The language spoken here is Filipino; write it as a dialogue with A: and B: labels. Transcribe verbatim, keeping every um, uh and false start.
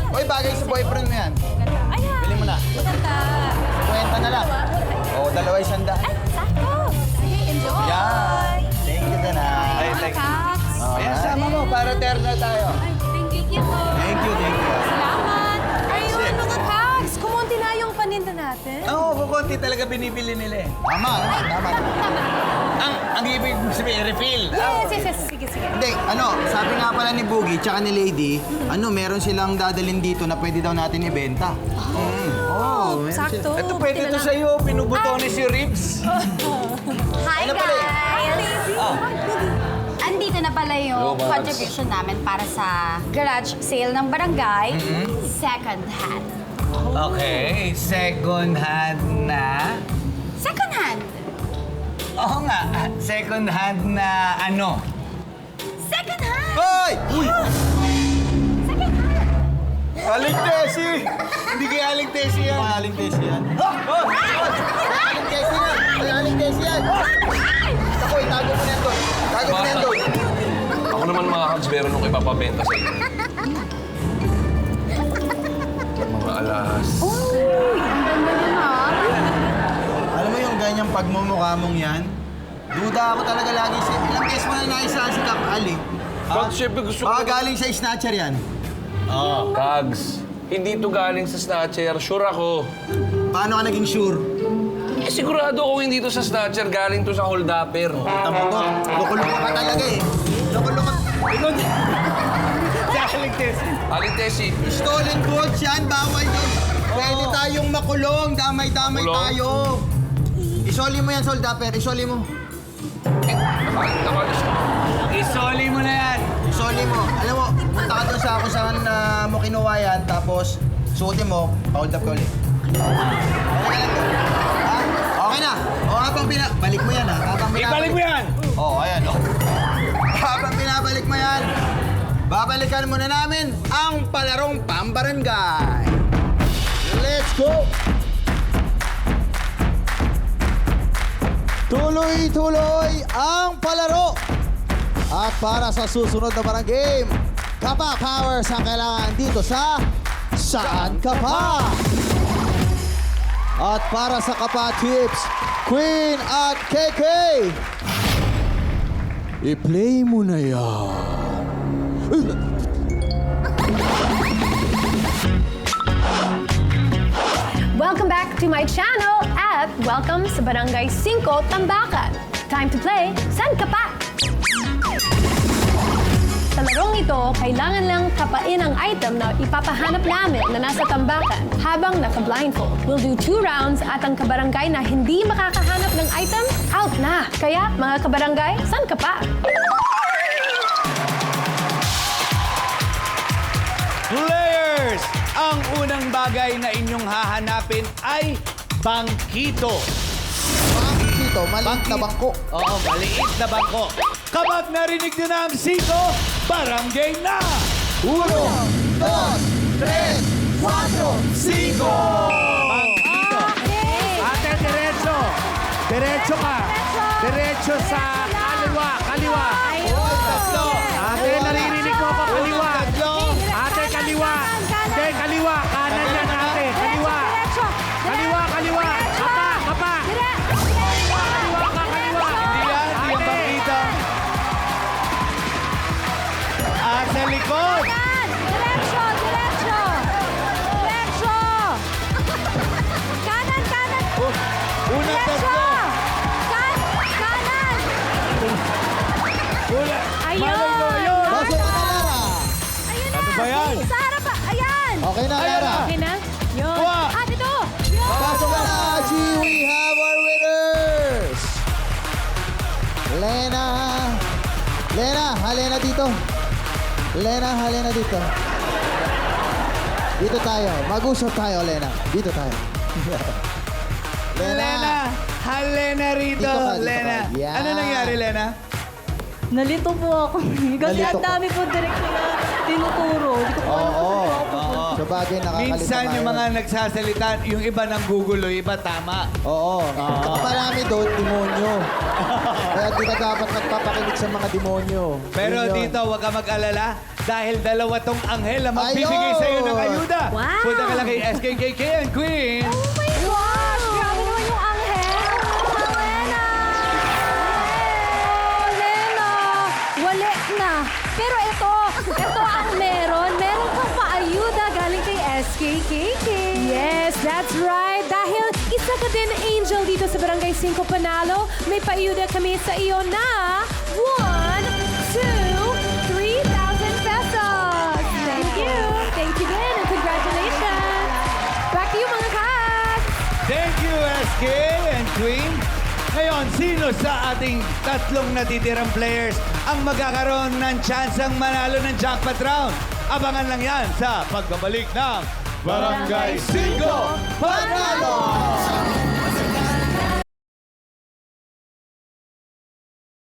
A: Uy, bagay sa boyfriend mo yan.
B: Ganda. Ayan.
A: Bili mo na.
B: Maganda.
A: Kwenta na lang. Oo, oh, dalawa isang daan.
B: Ay, sakto. Sige, enjoy.
A: Yan. Thank you, Danay.
B: Ay,
C: thank you.
B: Kaks.
A: Ayan, sama mo para terno tayo.
B: Ay, thank you po.
A: Thank you, thank you.
B: Salamat. Ayun, mga Kaks. Kumunti na yung paninda natin.
C: Oo, oh, kukunti talaga binibili nila eh.
A: Tama, tama.
B: Tama.
C: Ang, ang ibig sabihin, refill.
B: Yes, yes, yes. Sige, sige.
A: Hindi, ano, sabi nga pala ni Boogie tsaka ni Lady, ano, meron silang dadalhin dito na pwede daw natin ibenta.
B: Oh,
A: meron
B: sakto.
C: Ito pwede to sa'yo, pinubutones yung ribs.
D: Hi
A: Ano pala
D: guys! Andito na pala yung contribution namin para sa garage sale ng barangay, second hand.
C: Okay, second hand na.
D: Second hand!
C: Oo nga, second hand na ano?
D: Second hand!
A: Hoy!
D: Second hand!
C: Aling Tessie! Hindi kaya Aling Tessie yan.
A: Mga aling tesi yan. Aling tesi yan! May aling tesi yan! Ako, itago mo na yan doon. Tago mo na yan doon.
E: Ako naman mga Kags, meron akong ipapabenta sa inyo. Mga alas.
D: Uy, ang ganda nun ah.
A: Alam mo yung ganyang pagmumukha mong yan? Duda ako talaga lagi sa... Ilang beses mo na naisahan si Kap Ali.
E: Kags, syempre gusto ko...
A: Baka galing sa snatcher yan.
E: Oh. Kags, hindi to galing sa snatcher. Sure ako.
A: Paano ka naging sure?
E: Eh, sigurado kung hindi to sa snatcher, galing to sa hold-upper.
A: Tama ko, loko-loko ka talaga eh. Loko-loko.
C: Ikaw din. Si Aling Tessie.
E: Aling Tessie,
A: Stolen goods yan, bawal yun. Pwede tayong makulong, damay-damay
E: Kulong?
A: tayo. Isoli mo yan, soldaper, isoli mo.
E: eh, naka- nakalis ko.
C: Isoli mo na yan.
A: Isoli mo. Alam mo, punta ka doon sa kung saan uh, mo kinuha yan, tapos suotin mo, pa-hold up ka ulit. Okay lang to. Ha? Okay na. O habang pina... Balik mo yan ha. Habang
C: Ibalik mo yan.
A: Oo, oh, ayan o. Habang pinabalik mo yan, babalikan muna namin ang palarong pambarangay. Let's go! Tuloy-tuloy ang palaro. At para sa susunod na parang game, Kapa Powers ang kailangan dito sa Saan Ka Pa? At para sa Kapa Tips, Queen at K K, i-play mo na yan.
F: Welcome back to my channel at welcome sa Barangay five Tambakan. Time to play San Ka Pa? Sa larong ito, kailangan lang kapain ang item na ipapahanap namin na nasa tambakan habang naka-blindfold. We'll do two rounds at ang kabarangay na hindi makakahanap ng item, out na. Kaya, mga kabarangay, San Ka Pa?
C: Players! Ang unang bagay na inyong hahanapin ay bangkito.
A: Bangkito, maliit na bangko.
C: Oo, maliit na bangko. Kapag narinig nyo na ang siko, barangay na!
A: Uno, dos, tres, cuatro,
C: Siko! Bangkito. Ate, diretso. Diretso ka. Diretso sa kaliwa. Kaliwa. Tatlo. Ate, naririnig mo pa kaliwa. Ate, kaliwa. Hindi, kaliwa. Kanan yan, ate. Kaliwa. Kaliwa, kaliwa. Kapa, kapa. Kaliwa ka, kaliwa. Hindi yan, hindi ang bangkito. At sa likod.
B: Diretso, diretso. Diretso. Kanan, kanan.
C: Unang tatlo.
B: Kan, kanan.
C: Una.
B: Ayun.
C: Malay mo, ayun.
A: Pasok ka na, Lara.
B: Ayun na.
C: Ano ba yan?
B: Sa harap pa. Ayan.
A: Okay na,
C: Ayan
A: Lara.
C: na.
F: Okay na? Yun.
C: Kuha.
B: Ah, dito. Yun.
A: Pasok ka na, G. We have our winners. Lena. Lena, halena dito. Lena, halena dito. Dito tayo. Mag-usap tayo, Lena. Dito tayo.
C: Lena, halena rito,
A: Dito ka, dito
C: Lena.
A: ka. Yan.
C: Ano nangyari, Lena?
G: Nalito po ako. Kasi
A: Nalito
G: ang
A: ka.
G: dami po direct na tinuturo. Hindi ko po alam
A: Oo.
G: kung saan po.
A: Oo. Sa bagay, nakakalito
C: Minsan
A: nga
C: yung
A: yun.
C: mga nagsasalita, yung iba nang gugulo, yung iba tama.
A: Oo. Saka marami doon, demonyo. Kaya di ka dapat magpapakinig sa mga demonyo.
C: Pero
A: Yun yun.
C: dito, huwag ka mag-alala dahil dalawa tong anghel na magbibigay
A: Ayun!
C: sa'yo ng ayuda. S K K K and Queen.
B: Oh my gosh! Grabe naman yung anghel! Lena! Oh, Lena! Wala na. Pero ito, ito ang meron. Meron kang paayuda galing kay S K K K.
F: Yes, that's right. Dahil isa ka din angel dito sa Barangay Cinco Panalo, may paayuda kami sa iyo na one, two, three thousand pesos. Thank you. Thank you din and congratulations. Back to you mga cats.
C: Thank you, S K and Queen. Ngayon, sino sa ating tatlong natitirang players ang magkakaroon ng tsansang manalo ng jackpot round? Abangan lang yan sa pagbabalik ng Barangay Cinco Panalo!